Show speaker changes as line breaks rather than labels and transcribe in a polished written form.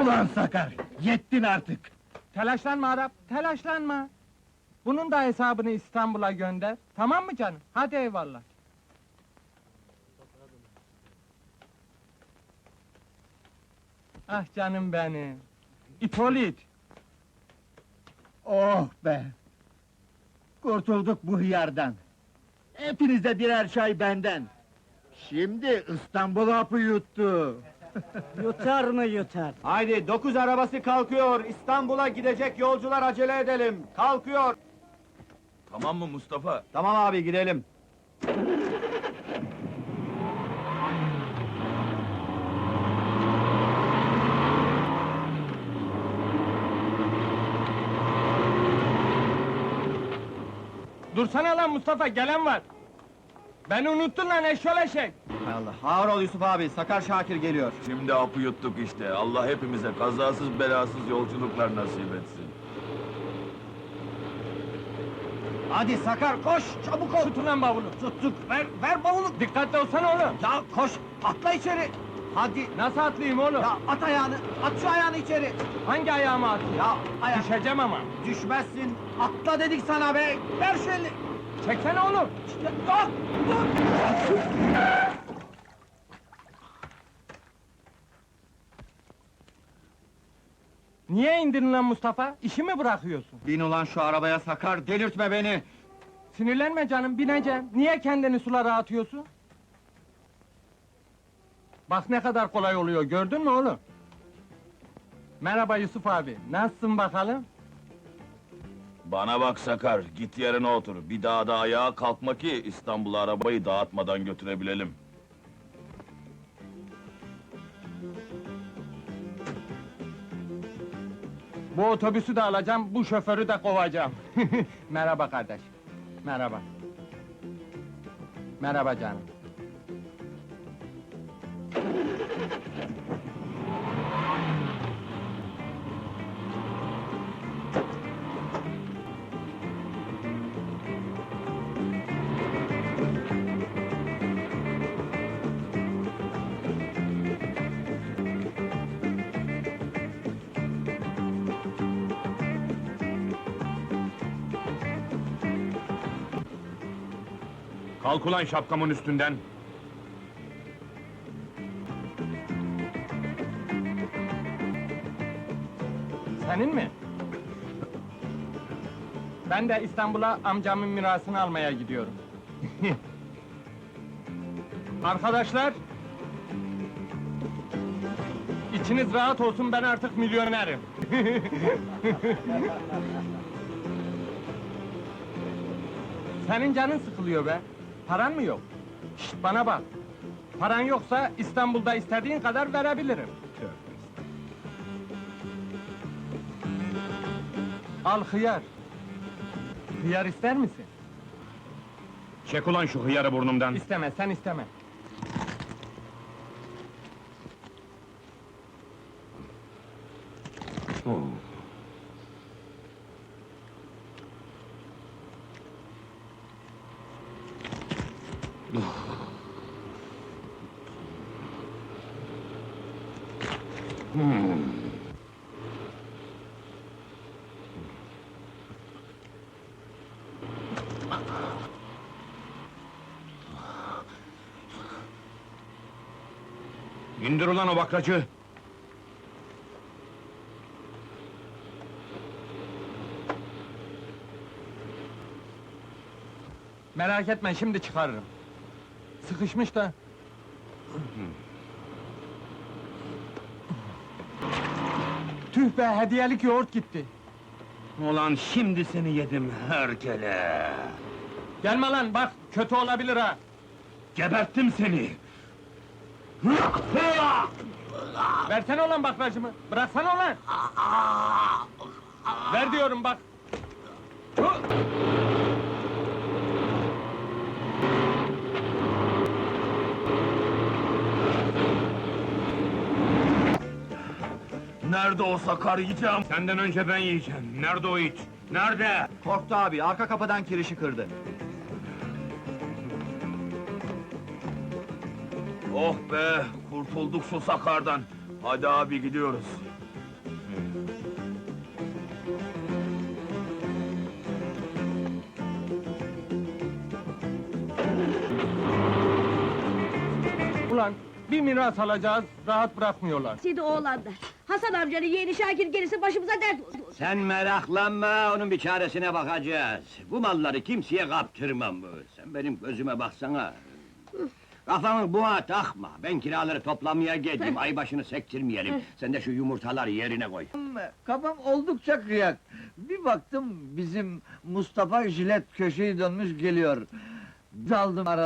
Ulan Sakar, yettin artık!
Telaşlanma Arap, telaşlanma. Bunun da hesabını İstanbul'a gönder. Tamam mı canım? Hadi eyvallah. Ah canım benim. İpolit.
Oh be! Kurtulduk bu hıyardan! Hepinize birer çay benden! Şimdi İstanbul hapı yuttu!
Yutar mı yutar?
Haydi 9 arabası kalkıyor. İstanbul'a gidecek yolcular, acele edelim. Kalkıyor.
Tamam mı Mustafa?
Tamam abi, gidelim.
Dursana lan Mustafa, gelen var. Beni unuttun lan eşşol eşek.
Hay Allah. Ağır ol Yusuf abi. Sakar Şakir geliyor.
Şimdi hapı yuttuk işte. Allah hepimize kazasız belasız yolculuklar nasip etsin.
Hadi Sakar, koş! Çabuk ol!
Tutun lan bavulu.
Tuttuk. Ver bavulu.
Dikkatli olsana oğlum.
Ya koş! Atla içeri! Hadi!
Nasıl atlayayım oğlum?
Ya at ayağını! At şu ayağını içeri!
Hangi ayağıma atayım?
Ya ayak...
Düşeceğim ama.
Düşmezsin! Atla dedik sana be! Ver şu elini!
Çeksene oğlum.
Ya, dur!
Niye indirin lan Mustafa? İşi mi bırakıyorsun?
Bin ulan şu arabaya Sakar, delirtme beni!
Sinirlenme canım, bineceğim. Niye kendini sulara atıyorsun? Bak ne kadar kolay oluyor, gördün mü oğlum? Merhaba Yusuf abi, nasılsın bakalım?
Bana bak Sakar, git yerine otur. Bir daha da ayağa kalkma ki İstanbul'a arabayı dağıtmadan götürebilelim.
Bu otobüsü de alacağım, bu şoförü de kovacağım. Merhaba kardeş. Merhaba. Merhaba canım.
Kalk ulan şapkamın üstünden!
Senin mi? Ben de İstanbul'a amcamın mirasını almaya gidiyorum. Arkadaşlar! İçiniz rahat olsun, ben artık milyonerim. Senin canın sıkılıyor be! Paran mı yok? Şşt, bana bak! Paran yoksa İstanbul'da istediğin kadar verebilirim. Al hıyar! Hıyar ister misin?
Çek ulan şu hıyarı burnumdan!
İsteme, sen isteme!
İndir ulan o bakracı!
Merak etme, şimdi çıkarırım. Sıkışmış da. Tüh be, hediyelik yoğurt gitti.
Ulan şimdi seni yedim herkele!
Gelme lan, bak, kötü olabilir ha!
Geberttim seni!
Versene ulan bakracımı, bıraksana ulan! Ver diyorum bak! Tüh!
Nerede o Sakar, yiyeceğim?
Senden önce ben yiyeceğim! Nerede o it? Nerede?
Korktu abi, arka kapıdan kirişi kırdı.
Oh be, kurtulduk şu Sakar'dan! Hadi abi gidiyoruz.
Ulan bir miras alacağız, rahat bırakmıyorlar.
Sidi oğlanda. Hasan amcanın yeğeni Şakir gelirse başımıza dert oldu.
Sen meraklanma, onun bir çaresine bakacağız. Bu malları kimseye kaptırmam bu. Sen benim gözüme baksana. Kafanı buğa takma, ben kiraları toplamaya geldim, ay başını sektirmeyelim. Sen de şu yumurtaları yerine koy.
Kafam oldukça kıyak. Bir baktım bizim Mustafa jilet köşeyi dönmüş geliyor. Daldım ara.